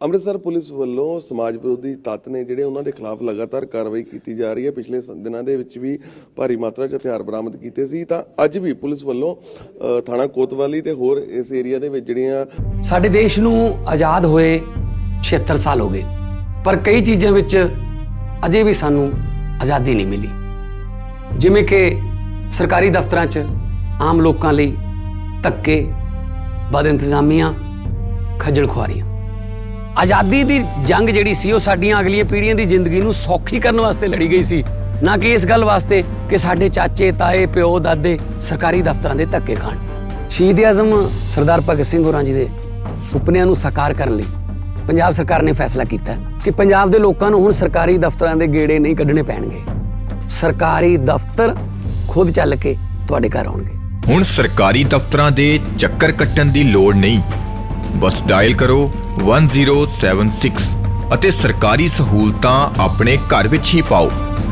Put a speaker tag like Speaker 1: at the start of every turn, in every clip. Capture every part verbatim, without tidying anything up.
Speaker 1: Amritsar police ਵੱਲੋਂ ਸਮਾਜ ਵਿਰੋਧੀ ਤੱਤ ਨੇ ਜਿਹੜੇ ਉਹਨਾਂ ਦੇ ਖਿਲਾਫ ਲਗਾਤਾਰ ਕਾਰਵਾਈ ਕੀਤੀ ਜਾ ਰਹੀ ਹੈ। ਪਿਛਲੇ ਦਿਨਾਂ ਦੇ ਵਿੱਚ ਵੀ ਭਾਰੀ ਮਾਤਰਾ 'ਚ ਹਥਿਆਰ ਬਰਾਮਦ ਕੀਤੇ ਸੀ ਤਾਂ ਅੱਜ ਵੀ ਪੁਲਿਸ ਵੱਲੋਂ ਥਾਣਾ ਕੋਤਵਾਲੀ ਤੇ ਹੋਰ ਇਸ ਏਰੀਆ ਦੇ ਵਿੱਚ ਜਿਹੜੀਆਂ
Speaker 2: ਸਾਡੇ ਦੇਸ਼ ਨੂੰ ਆਜ਼ਾਦ ਹੋਏ ਛਿਹੱਤਰ ਸਾਲ ਹੋ ਗਏ, ਪਰ ਕਈ ਚੀਜ਼ਾਂ ਵਿੱਚ ਅਜੇ ਵੀ ਸਾਨੂੰ ਆਜ਼ਾਦੀ ਨਹੀਂ ਮਿਲੀ, ਜਿਵੇਂ ਕਿ ਸਰਕਾਰੀ ਦਫ਼ਤਰਾਂ 'ਚ ਆਮ ਲੋਕਾਂ ਲਈ ਧੱਕੇ, ਬਦ ਇੰਤਜ਼ਾਮੀਆਂ, ਖੱਜਲ ਖੁਆਰੀਆਂ। ਆਜ਼ਾਦੀ ਦੀ ਜੰਗ ਜਿਹੜੀ ਸੀ ਉਹ ਸਾਡੀਆਂ ਅਗਲੀਆਂ ਪੀੜ੍ਹੀਆਂ ਦੀ ਜ਼ਿੰਦਗੀ ਨੂੰ ਸੌਖੀ ਕਰਨ ਵਾਸਤੇ ਲੜੀ ਗਈ ਸੀ, ਨਾ ਕਿ ਇਸ ਗੱਲ ਵਾਸਤੇ ਕਿ ਸਾਡੇ ਚਾਚੇ, ਤਾਏ, ਪਿਓ, ਦਾਦੇ ਸਰਕਾਰੀ ਦਫ਼ਤਰਾਂ ਦੇ ਧੱਕੇ ਖਾਣ। ਸ਼ਹੀਦ ਆਜ਼ਮ ਸਰਦਾਰ ਭਗਤ ਸਿੰਘ ਹੋਰਾਂ ਜੀ ਦੇ ਸੁਪਨਿਆਂ ਨੂੰ ਸਾਕਾਰ ਕਰਨ ਲਈ ਪੰਜਾਬ ਸਰਕਾਰ ਨੇ ਫੈਸਲਾ ਕੀਤਾ ਕਿ ਪੰਜਾਬ ਦੇ ਲੋਕਾਂ ਨੂੰ ਹੁਣ ਸਰਕਾਰੀ ਦਫ਼ਤਰਾਂ ਦੇ ਗੇੜੇ ਨਹੀਂ ਕੱਢਣੇ ਪੈਣਗੇ। ਸਰਕਾਰੀ ਦਫ਼ਤਰ ਖੁਦ ਚੱਲ ਕੇ ਤੁਹਾਡੇ ਘਰ ਆਉਣਗੇ।
Speaker 3: ਹੁਣ ਸਰਕਾਰੀ ਦਫ਼ਤਰਾਂ ਦੇ ਚੱਕਰ ਕੱਟਣ ਦੀ ਲੋੜ ਨਹੀਂ, ਬਸ ਡਾਇਲ ਕਰੋ ਇੱਕ ਜ਼ੀਰੋ ਸੱਤ ਛੇ ਅਤੇ ਸਰਕਾਰੀ ਸਹੂਲਤਾਂ ਆਪਣੇ ਘਰ ਵਿੱਚ ਹੀ ਪਾਓ।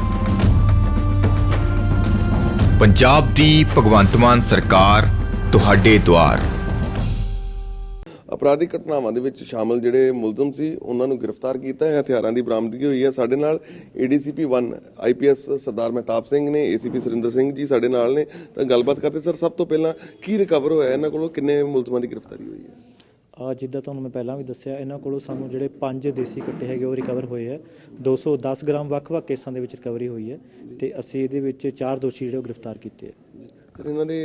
Speaker 3: ਪੰਜਾਬ ਦੀ ਭਗਵੰਤ ਮਾਨ ਸਰਕਾਰ ਤੁਹਾਡੇ ਦੁਆਰ।
Speaker 1: ਅਪਰਾਧਿਕ ਘਟਨਾਵਾਂ ਦੇ ਵਿੱਚ ਸ਼ਾਮਲ ਜਿਹੜੇ ਮੁਲਜ਼ਮ ਸੀ ਉਹਨਾਂ ਨੂੰ ਗ੍ਰਿਫਤਾਰ ਕੀਤਾ ਹੈ, ਹਥਿਆਰਾਂ ਦੀ ਬਰਾਮਦਗੀ ਹੋਈ ਹੈ। ਸਾਡੇ ਨਾਲ ਏਡੀਸੀਪੀ ਇੱਕ ਆਈਪੀਐਸ ਸਰਦਾਰ ਮਹਿਤਾਬ ਸਿੰਘ ਨੇ, ਏਸੀਪੀ ਸੁਰਿੰਦਰ ਸਿੰਘ ਜੀ ਸਾਡੇ ਨਾਲ ਨੇ, ਤਾਂ ਗੱਲਬਾਤ ਕਰਦੇ। ਸਰ, ਸਭ ਤੋਂ ਪਹਿਲਾਂ ਕੀ ਰਿਕਵਰ ਹੋਇਆ ਇਹਨਾਂ ਕੋਲੋਂ, ਕਿੰਨੇ ਮੁਲਜ਼ਮਾਂ ਦੀ ਗ੍ਰਿਫਤਾਰੀ ਹੋਈ ਹੈ?
Speaker 4: ਆ ਜਿੱਦਾਂ ਤੁਹਾਨੂੰ ਮੈਂ ਪਹਿਲਾਂ ਵੀ ਦੱਸਿਆ, ਇਹਨਾਂ ਕੋਲੋਂ ਸਾਨੂੰ ਜਿਹੜੇ ਪੰਜ ਦੇਸੀ ਕੱਟੇ ਹੈਗੇ ਉਹ ਰਿਕਵਰ ਹੋਏ ਹੈ। ਦੋ ਸੌ ਦਸ ਗ੍ਰਾਮ ਵੱਖ-ਵੱਖ ਕੇਸਾਂ ਦੇ ਵਿੱਚ ਰਿਕਵਰੀ ਹੋਈ ਹੈ ਤੇ ਅਸੀਂ ਇਹਦੇ ਵਿੱਚ ਚਾਰ ਦੋਸ਼ੀ ਜਿਹੜੇ ਉਹ ਗ੍ਰਿਫਤਾਰ ਕੀਤੇ ਹੈ।
Speaker 1: ਸਰ, ਇਹਨਾਂ ਦੇ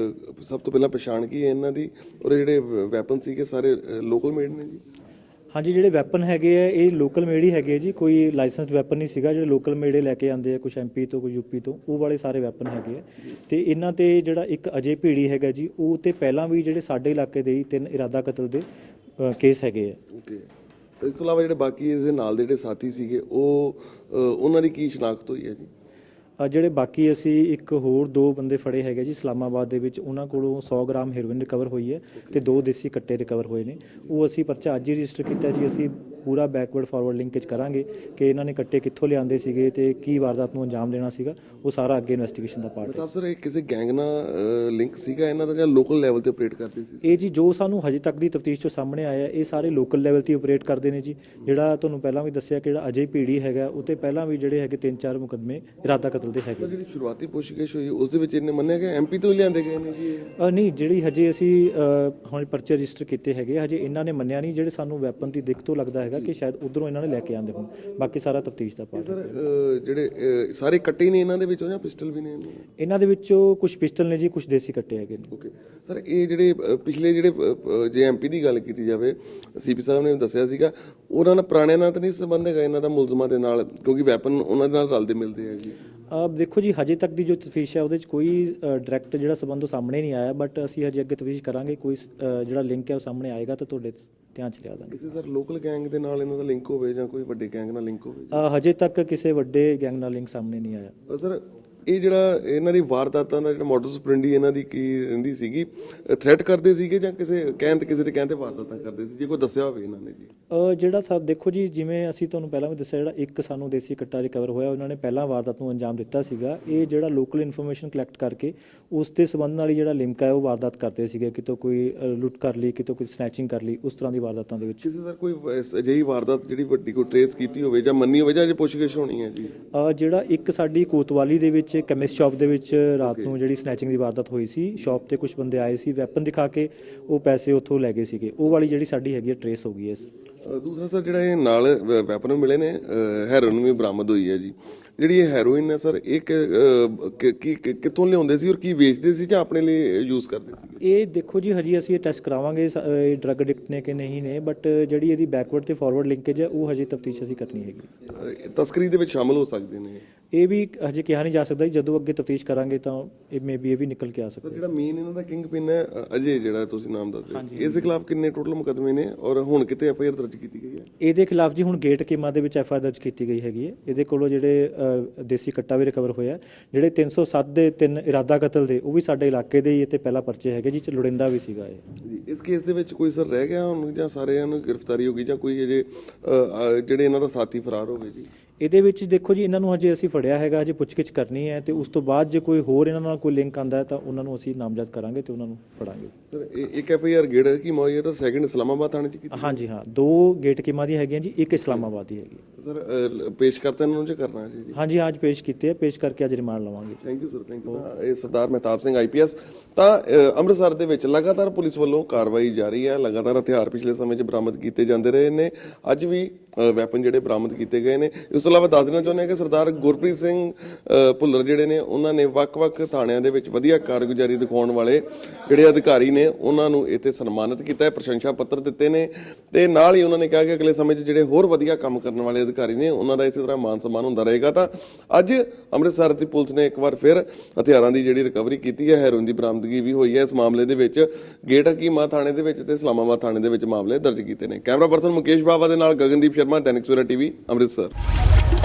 Speaker 1: ਸਭ ਤੋਂ ਪਹਿਲਾਂ ਪਛਾਣ ਕੀ ਹੈ ਇਹਨਾਂ ਦੀ, ਔਰ ਜਿਹੜੇ ਵੈਪਨ ਸੀਗੇ ਸਾਰੇ ਲੋਕਲ ਮੇਡ ਨੇ ਜੀ?
Speaker 4: ਹਾਂਜੀ, ਜਿਹੜੇ ਵੈਪਨ ਹੈਗੇ ਆ ਇਹ ਲੋਕਲ ਮੇਡ ਹੀ ਹੈਗੇ ਜੀ, ਕੋਈ ਲਾਇਸੈਂਸਡ ਵੈਪਨ ਨਹੀਂ ਸੀਗਾ। ਜਿਹੜੇ ਲੋਕਲ ਮੇਡੇ ਲੈ ਕੇ ਆਉਂਦੇ ਆ, ਕੁਛ ਐਮਪੀ ਤੋਂ, ਕੁਝ ਯੂਪੀ ਤੋਂ, ਉਹ ਵਾਲੇ ਸਾਰੇ ਵੈਪਨ ਹੈਗੇ ਆ। ਤੇ ਇਹਨਾਂ ਤੇ ਜਿਹੜਾ ਇੱਕ ਅਜੇ ਭੀੜੀ ਹੈਗਾ ਜੀ, ਉਹ ਤੇ ਪਹਿਲਾਂ ਵੀ ਜਿਹੜੇ ਸਾਡੇ ਇਲਾਕੇ ਦੇ ਹੀ ਤਿੰਨ ਇਰਾਦਾ ਕਤਲ ਦੇ ਕੇਸ ਹੈਗੇ ਆ।
Speaker 1: ਓਕੇ, ਇਸ ਤੋਂ ਇਲਾਵਾ ਜਿਹੜੇ ਬਾਕੀ ਇਸ ਦੇ ਨਾਲ ਦੇ ਜਿਹੜੇ ਸਾਥੀ ਸੀਗੇ ਉਹ ਉਹਨਾਂ ਦੀ ਕੀ ਸ਼ਨਾਖਤ ਹੋਈ ਹੈ ਜੀ?
Speaker 4: ਜਿਹੜੇ ਬਾਕੀ ਅਸੀਂ ਇੱਕ ਹੋਰ ਦੋ ਬੰਦੇ ਫੜੇ ਹੈਗੇ ਜੀ ਇਸਲਾਮਾਬਾਦ ਦੇ ਵਿੱਚ, ਉਹਨਾਂ ਕੋਲੋਂ ਸੌ ਗ੍ਰਾਮ ਹੈਰੋਇਨ ਰਿਕਵਰ ਹੋਈ ਹੈ ਤੇ ਦੋ ਦੇਸੀ ਕੱਟੇ ਰਿਕਵਰ ਹੋਏ ਨੇ। ਉਹ ਅਸੀਂ ਪਰਚਾ ਅੱਜ ਹੀ ਰਜਿਸਟਰ ਕੀਤਾ ਜੀ। ਅਸੀਂ ਪੂਰਾ ਬੈਕਵਰਡ ਫਾਰਵਰਡ ਲਿੰਕੇਜ ਕਰਾਂਗੇ ਕਿ ਇਹਨਾਂ ਨੇ ਕੱਟੇ ਕਿੱਥੋਂ ਲਿਆਂਦੇ ਸੀਗੇ ਤੇ ਕੀ ਵਾਰਦਾਤ ਨੂੰ ਅੰਜਾਮ ਦੇਣਾ ਸੀਗਾ, ਉਹ ਸਾਰਾ ਅੱਗੇ ਇਨਵੈਸਟੀਗੇਸ਼ਨ ਦਾ ਪਾਰਟ ਹੈ।
Speaker 1: ਮਤਲਬ ਸਰ, ਇਹ ਕਿਸੇ ਗੈਂਗ ਨਾਲ ਲਿੰਕ ਸੀਗਾ ਇਹਨਾਂ ਦਾ ਜਾਂ ਲੋਕਲ ਲੈਵਲ ਤੇ ਆਪਰੇਟ ਕਰਦੇ ਸੀ?
Speaker 4: ਇਹ ਜੀ ਜੋ ਸਾਨੂੰ ਹਜੇ ਤੱਕ ਦੀ ਤਫਤੀਸ਼ ਚੋਂ ਸਾਹਮਣੇ ਆਇਆ, ਇਹ ਸਾਰੇ ਲੋਕਲ ਲੈਵਲ ਤੇ ਆਪਰੇਟ ਕਰਦੇ ਨੇ ਜੀ। ਜਿਹੜਾ ਤੁਹਾਨੂੰ ਪਹਿਲਾਂ ਵੀ ਦੱਸਿਆ ਕਿ ਜਿਹੜਾ ਅਜੇ ਭੀੜੀ ਹੈਗਾ, ਉਹ ਤੇ ਪਹਿਲਾਂ ਵੀ ਜਿਹੜੇ ਹੈਗੇ ਤਿੰਨ ਚਾਰ ਮੁਕੱਦਮੇ ਇਰਾਦਾ ਕਤਲ ਦੇ ਹੈਗੇ।
Speaker 1: ਜਿਹੜੀ ਸ਼ੁਰੂਆਤੀ ਪੁੱਛਗਿੱਛ ਹੋਈ ਉਸ ਦੇ ਵਿੱਚ ਇਹਨੇ ਮੰਨਿਆ ਕਿ ਐਮਪੀ ਤੋਂ ਹੀ ਲਿਆਂਦੇ ਗਏ ਨੇ ਜੀ?
Speaker 4: ਨਹੀਂ, ਜਿਹੜੀ ਹਜੇ ਅਸੀਂ ਹੁਣ ਪਰਚੇ ਰਜਿਸਟਰ ਕੀਤੇ ਹੈਗੇ, ਹਜੇ ਇਹਨਾਂ ਨੇ ਮੰਨਿਆ ਨਹੀਂ। ਜਿਹੜੇ ਸਾਨੂੰ ਵੈਪਨ ਦੀ ਦਿੱਖ ਤੋਂ ਲੱਗਦਾ ਹੈਗਾ ਕਿ ਸ਼ਾਇਦ ਉਧਰੋਂ ਇਹਨਾਂ ਨੇ ਲੈ ਕੇ ਆਂਦੇ ਹੋਣ। ਬਾਕੀ ਸਾਰਾ ਤਫਤੀਸ਼ ਦਾ ਪਾਰਟ ਹੈ।
Speaker 1: ਸਰ, ਜਿਹੜੇ ਸਾਰੇ ਕੱਟੇ ਨੇ ਇਹਨਾਂ ਦੇ ਵਿੱਚੋਂ ਜਾਂ ਪਿਸਟਲ ਵੀ ਨੇ?
Speaker 4: ਇਹਨਾਂ ਦੇ ਵਿੱਚੋਂ ਕੁਝ ਪਿਸਟਲ ਨੇ ਜੀ, ਕੁਝ ਦੇਸੀ ਕੱਟੇ ਹੈਗੇ ਨੇ।
Speaker 1: ਓਕੇ ਸਰ, ਇਹ ਜਿਹੜੇ ਪਿਛਲੇ ਜਿਹੜੇ ਜੇ ਐਮਪੀ ਦੀ ਗੱਲ ਕੀਤੀ ਜਾਵੇ, ਸੀਪੀ ਸਾਹਿਬ ਨੇ ਦੱਸਿਆ ਸੀਗਾ ਉਹਨਾਂ ਨਾਲ ਪੁਰਾਣੇ ਨਾਲ ਤਾਂ ਨਹੀਂ ਸੰਬੰਧ ਹੈਗਾ ਇਹਨਾਂ ਦਾ ਮੁਲਜ਼ਮਾਂ ਦੇ ਨਾਲ, ਕਿਉਂਕਿ ਵੈਪਨ ਉਹਨਾਂ ਦੇ ਨਾਲ ਰਲਦੇ ਮਿਲਦੇ ਆ ਜੀ?
Speaker 4: ਦੇਖੋ ਜੀ, ਹਜੇ ਤੱਕ ਦੀ ਜੋ ਤਫਤੀਸ਼ ਹੈ ਉਹਦੇ 'ਚ ਕੋਈ ਡਾਇਰੈਕਟ ਜਿਹੜਾ ਸੰਬੰਧ ਉਹ ਸਾਹਮਣੇ ਨਹੀਂ ਆਇਆ, ਬਟ ਅਸੀਂ ਹਜੇ ਅੱਗੇ ਤਫਤੀਸ਼ ਕਰਾਂਗੇ। ਕੋਈ ਜਿਹੜਾ ਲਿੰਕ ਹੈ ਉਹ ਸਾਹਮਣੇ ਆਏਗਾ ਤਾਂ ਤੁਹਾਡੇ ਧਿਆਨ 'ਚ ਲਿਆ ਦਾਂਗੇ।
Speaker 1: ਕਿਸੇ ਸਰ ਲੋਕਲ ਗੈਂਗ ਦੇ ਨਾਲ ਇਹਨਾਂ ਦਾ ਲਿੰਕ ਹੋਵੇ ਜਾਂ ਕੋਈ ਵੱਡੇ ਗੈਂਗ ਨਾਲ ਲਿੰਕ ਹੋਵੇ?
Speaker 4: ਹਜੇ ਤੱਕ ਕਿਸੇ ਵੱਡੇ ਗੈਂਗ ਨਾਲ ਲਿੰਕ ਸਾਹਮਣੇ ਨਹੀਂ ਆਇਆ।
Speaker 1: ਸਰ, ਇਹ ਜਿਹੜਾ ਇਹਨਾਂ ਦੀ ਵਾਰਦਾਤਾਂ ਦਾ ਜਿਹੜਾ ਮੋਡਸ ਆਪਰੈਂਡੀ ਇਹਨਾਂ ਦੀ ਕੀ ਰਹਿੰਦੀ ਸੀਗੀ, ਥ੍ਰੈਟ ਕਰਦੇ ਸੀਗੇ ਜਾਂ ਕਿਸੇ ਕਹਿਣ ਤੇ ਕਿਸੇ ਦੇ ਕਹਿਣ ਤੇ ਵਾਰਦਾਤਾਂ ਕਰਦੇ ਸੀ, ਜੇ ਕੋਈ ਦੱਸਿਆ ਹੋਵੇ ਇਹਨਾਂ ਨੇ ਜੀ?
Speaker 4: ਜਿਹੜਾ ਸਾ ਦੇਖੋ ਜੀ, ਜਿਵੇਂ ਅਸੀਂ ਤੁਹਾਨੂੰ ਪਹਿਲਾਂ ਵੀ ਦੱਸਿਆ, ਜਿਹੜਾ ਇੱਕ ਸਾਨੂੰ ਦੇਸੀ ਕੱਟਾ ਰਿਕਵਰ ਹੋਇਆ, ਉਹਨਾਂ ਨੇ ਪਹਿਲਾਂ ਵਾਰਦਾਤ ਨੂੰ ਅੰਜਾਮ ਦਿੱਤਾ ਸੀਗਾ। ਇਹ ਜਿਹੜਾ ਲੋਕਲ ਇਨਫੋਰਮੇਸ਼ਨ ਕਲੈਕਟ ਕਰਕੇ ਉਸ ਦੇ ਸੰਬੰਧ ਨਾਲ ਹੀ ਜਿਹੜਾ ਲਿੰਕ ਹੈ ਉਹ ਵਾਰਦਾਤ ਕਰਦੇ ਸੀਗੇ। ਕਿਤੋਂ ਕੋਈ ਲੁੱਟ ਕਰ ਲਈ, ਕਿਤੋਂ ਕੋਈ ਸਨੈਚਿੰਗ ਕਰ ਲਈ, ਉਸ ਤਰ੍ਹਾਂ ਦੀ ਵਾਰਦਾਤਾਂ ਦੇ ਵਿੱਚ।
Speaker 1: ਕਿਸੇ ਸਰ ਕੋਈ ਅਜਿਹੀ ਵਾਰਦਾਤ ਜਿਹੜੀ ਵੱਡੀ ਕੋਈ ਟ੍ਰੇਸ ਕੀਤੀ ਹੋਵੇ ਜਾਂ ਮੰਨੀ ਹੋਵੇ, ਜਾਂ ਅਜੇ ਪੁੱਛਗਿੱਛ ਹੋਣੀ ਹੈ ਜੀ?
Speaker 4: ਜਿਹੜਾ ਇੱਕ ਸਾਡੀ ਕੋਤਵਾਲੀ ਦੇ ਵਿੱਚ ਕੈਮਿਸਟ ਸ਼ਾਪ ਦੇ ਵਿੱਚ ਰਾਤ ਨੂੰ ਜਿਹੜੀ ਸਨੈਚਿੰਗ ਦੀ ਵਾਰਦਾਤ ਹੋਈ ਸੀ, ਸ਼ਾਪ ਤੇ ਕੁਝ ਬੰਦੇ ਆਏ ਸੀ, ਵੈਪਨ ਦਿਖਾ ਕੇ ਉਹ ਪੈਸੇ ਉੱਥੋਂ ਲੈ ਗਏ ਸੀਗੇ। ਉਹ ਵਾਲੀ ਜਿਹੜੀ ਸਾਡੀ ਹੈਗੀ ਹੈ ਟ੍ਰੇਸ ਹੋ ਗਈ ਹੈ।
Speaker 1: ਦੂਸਰਾ ਸਰ, ਜਿਹੜਾ ਇਹ ਨਾਲ ਵੈਪਨ ਮਿਲੇ ਨੇ, ਹੈਰੋਇਨ ਵੀ ਬਰਾਮਦ ਹੋਈ ਹੈ ਜੀ। ਜਿਹੜੀ ਇਹ ਹੈਰੋਇਨ ਹੈ ਸਰ, ਇਹ ਕਿੱਥੋਂ ਲਿਆਉਂਦੇ ਸੀ ਔਰ ਕੀ ਵੇਚਦੇ ਸੀ ਜਾਂ ਆਪਣੇ ਲਈ ਯੂਜ਼ ਕਰਦੇ ਸੀ?
Speaker 4: ਇਹ ਦੇਖੋ ਜੀ, ਹਜੇ ਅਸੀਂ ਇਹ ਟੈਸਟ ਕਰਾਵਾਂਗੇ ਇਹ ਡਰੱਗ ਐਡਿਕਟ ਨੇ ਕਿ ਨਹੀਂ ਨੇ, ਬਟ ਜਿਹੜੀ ਇਹਦੀ ਬੈਕਵਰਡ ਤੇ ਫਾਰਵਰਡ ਲਿੰਕੇਜ ਹੈ ਉਹ ਹਜੇ ਤਫਤੀਸ਼ ਅਸੀਂ ਕਰਨੀ ਹੈਗੀ।
Speaker 1: ਤਸਕਰੀ ਦੇ ਵਿੱਚ ਸ਼ਾਮਲ ਹੋ ਸਕਦੇ ਨੇ?
Speaker 4: ਇਹ ਵੀ ਹਜੇ ਕਿਹਾ ਨਹੀਂ ਜਾ ਸਕਦਾ, ਜਦੋਂ ਅੱਗੇ ਤਫਤੀਸ਼ ਕਰਾਂਗੇ ਤਾਂ ਇਹ ਮੇ ਬੀ ਇਹ ਵੀ ਨਿਕਲ ਕੇ ਆ ਸਕਦਾ।
Speaker 1: ਜਿਹੜਾ ਮੇਨ ਇਹਨਾਂ ਦਾ ਕਿੰਗ ਪਿਨ ਹੈ ਅਜੇ, ਜਿਹੜਾ ਤੁਸੀਂ ਨਾਮ ਦੱਸ ਰਹੇ, ਇਸ ਦੇ ਖਿਲਾਫ ਕਿੰਨੇ ਟੋਟਲ ਮੁਕੱਦਮੇ ਨੇ ਔਰ ਹੁਣ ਕਿਤੇ ਐਫ ਆਈ ਆਰ ਦਰਜ ਕੀਤੀ ਗਈ ਹੈ?
Speaker 4: ਇਹਦੇ ਖਿਲਾਫ ਜੀ ਹੁਣ ਗੇਟ ਕੀਮਾ ਦੇ ਵਿੱਚ ਐਫ ਆਈ ਆਰ ਦਰਜ ਕੀਤੀ ਗਈ ਹੈਗੀ ਹੈ। ਇਹਦੇ ਕੋਲੋਂ ਜਿਹੜੇ ਦੇਸੀ ਕੱਟਾ ਵੀ ਰਿਕਵਰ ਹੋਇਆ, ਜਿਹੜੇ ਤਿੰਨ ਸੌ ਸੱਤ ਦੇ ਤਿੰਨ ਇਰਾਦਾ ਕਤਲ ਦੇ, ਉਹ ਵੀ ਸਾਡੇ ਇਲਾਕੇ ਦੇ ਹੀ ਤੇ ਪਹਿਲਾ ਪਰਚੇ ਹੈਗੇ ਜੀ, ਲੋੜਿੰਦਾ ਵੀ ਸੀਗਾ ਇਹ
Speaker 1: ਜੀ। ਇਸ ਕੇਸ ਦੇ ਵਿੱਚ ਕੋਈ ਸਰ ਰਹਿ ਗਿਆ ਹੁਣ ਜਾਂ ਸਾਰਿਆਂ ਨੂੰ ਗ੍ਰਿਫਤਾਰੀ ਹੋ ਗਈ ਜਾਂ ਕੋਈ ਅਜੇ ਜਿਹੜੇ ਇਹਨਾਂ ਦਾ ਸਾਥੀ ਫਰਾਰ ਹੋ ਗਏ ਜੀ?
Speaker 4: ਇਹਦੇ ਵਿੱਚ ਦੇਖੋ ਜੀ, ਇਹਨਾਂ ਨੂੰ ਹਜੇ ਅਸੀਂ ਫੜਿਆ ਹੈਗਾ, ਹਜੇ ਪੁੱਛਗਿੱਛ ਕਰਨੀ ਹੈ ਤੇ ਉਸ ਤੋਂ ਬਾਅਦ ਜੇ ਕੋਈ ਹੋਰ ਇਹਨਾਂ ਨਾਲ ਕੋਈ ਲਿੰਕ ਆਂਦਾ ਹੈ ਤਾਂ ਉਹਨਾਂ ਨੂੰ ਅਸੀਂ ਨਾਮਜ਼ਦ ਕਰਾਂਗੇ ਤੇ ਉਹਨਾਂ ਨੂੰ ਫੜਾਂਗੇ।
Speaker 1: ਸਰ ਇਹ ਇੱਕ ਐਫ ਆਈ ਆਰ ਗੇੜ ਕੀ ਮੋਈ ਹੈ ਤਾਂ ਸੈਕਿੰਡ ਇਸਲਾਮਾਬਾਦ ਥਾਣੇ ਚ ਕੀਤੀ?
Speaker 4: ਹਾਂਜੀ ਹਾਂ, ਦੋ ਗੇਟ ਕੀਮਾ ਦੀ ਹੈਗੀਆਂ ਜੀ, ਇੱਕ ਇਸਲਾਮਾਬਾਦ ਦੀ ਹੈਗੀ।
Speaker 1: ਸਰ ਅ, ਪੇਸ਼ ਕਰਤਾ ਇਹਨਾਂ ਨੂੰ ਜੇ ਕਰਨਾ ਹੈ ਜੀ?
Speaker 4: ਹਾਂਜੀ ਅੱਜ ਪੇਸ਼ ਕੀਤੇ ਆ, ਪੇਸ਼ ਕਰਕੇ ਅੱਜ ਰਿਮਾਂਡ ਲਵਾਂਗੇ।
Speaker 1: Thank you sir, thank you. ਇਹ Sardar Mehtab Singh I P S. ਤਾਂ ਅ, ਅੰਮ੍ਰਿਤਸਰ ਦੇ ਵਿੱਚ ਲਗਾਤਾਰ ਪੁਲਿਸ ਵੱਲੋਂ ਕਾਰਵਾਈ ਜਾਰੀ ਹੈ, ਲਗਾਤਾਰ ਹਥਿਆਰ ਪਿਛਲੇ ਸਮੇਂ 'ਚ ਬਰਾਮਦ ਕੀਤੇ ਜਾਂਦੇ ਰਹੇ ਨੇ, ਅੱਜ ਵੀ ਵੈਪਨ ਜਿਹੜੇ ਬਰਾਮਦ ਕੀਤੇ ਗਏ ਨੇ। ਇਸ ਤੋਂ ਇਲਾਵਾ ਦੱਸ ਦੇਣਾ ਚਾਹੁੰਦੇ ਹਾਂ ਕਿ ਸਰਦਾਰ ਗੁਰਪ੍ਰੀਤ ਸਿੰਘ ਅ, ਭੁੱਲਰ ਜਿਹੜੇ ਨੇ ਉਹਨਾਂ ਨੇ ਵੱਖ-ਵੱਖ ਥਾਣਿਆਂ ਦੇ ਵਿੱਚ ਵਧੀਆ ਕਾਰਗੁਜ਼ਾਰੀ ਦਿਖਾਉਣ ਵਾਲੇ ਜਿਹੜੇ ਅਧਿਕਾਰੀ ਨੇ ਉਹਨਾਂ ਨੂੰ ਇੱਥੇ ਸਨਮਾਨਿਤ ਕੀਤਾ ਹੈ, ਪ੍ਰਸ਼ੰਸਾ ਪੱਤਰ ਦਿੱਤੇ ਨੇ ਤੇ ਨਾਲ ਹੀ ਉਹਨਾਂ ਨੇ ਕਿਹਾ ਕਿ ਅਗਲੇ ਸਮੇਂ 'ਚ ਜਿਹੜੇ ਹੋਰ ਵਧੀਆ ਕੰਮ ਕਰਨ ਵਾਲੇ ਅਧਿਕਾਰੀ ਨੇ ਉਹਨਾਂ ਦਾ ਇਸੇ ਤਰ੍ਹਾਂ ਮਾਨ ਸਨਮਾਨ ਹੁੰਦਾ ਰਹੇਗਾ। ਤਾਂ ਅੱਜ ਅੰਮ੍ਰਿਤਸਰ ਦੀ ਪੁਲਿਸ ਨੇ ਇੱਕ ਵਾਰ ਫਿਰ ਹਥਿਆਰਾਂ ਦੀ ਜਿਹੜੀ ਰਿਕਵਰੀ ਕੀਤੀ ਹੈ, ਹੈਰੋਇਨ ਦੀ ਬਰਾਮਦਗੀ ਵੀ ਹੋਈ ਹੈ। ਇਸ ਮਾਮਲੇ ਦੇ ਵਿੱਚ ਗੇਟ ਹਕੀਮਾ ਥਾਣੇ ਦੇ ਵਿੱਚ ਤੇ ਇਸਲਾਮਾਬਾਦ ਥਾਣੇ ਦੇ ਵਿੱਚ ਮਾਮਲੇ ਦਰਜ ਕੀਤੇ ਨੇ। ਕੈਮਰਾ ਪਰਸਨ ਮੁਕੇਸ਼ ਬਾਵਾ ਦੇ ਨਾਲ ਗਗਨਦੀਪ ਸ਼ਰਮਾ, ਦੈਨਿਕ ਸਵੇਰਾ ਟੀਵੀ, ਅੰਮ੍ਰਿਤਸਰ।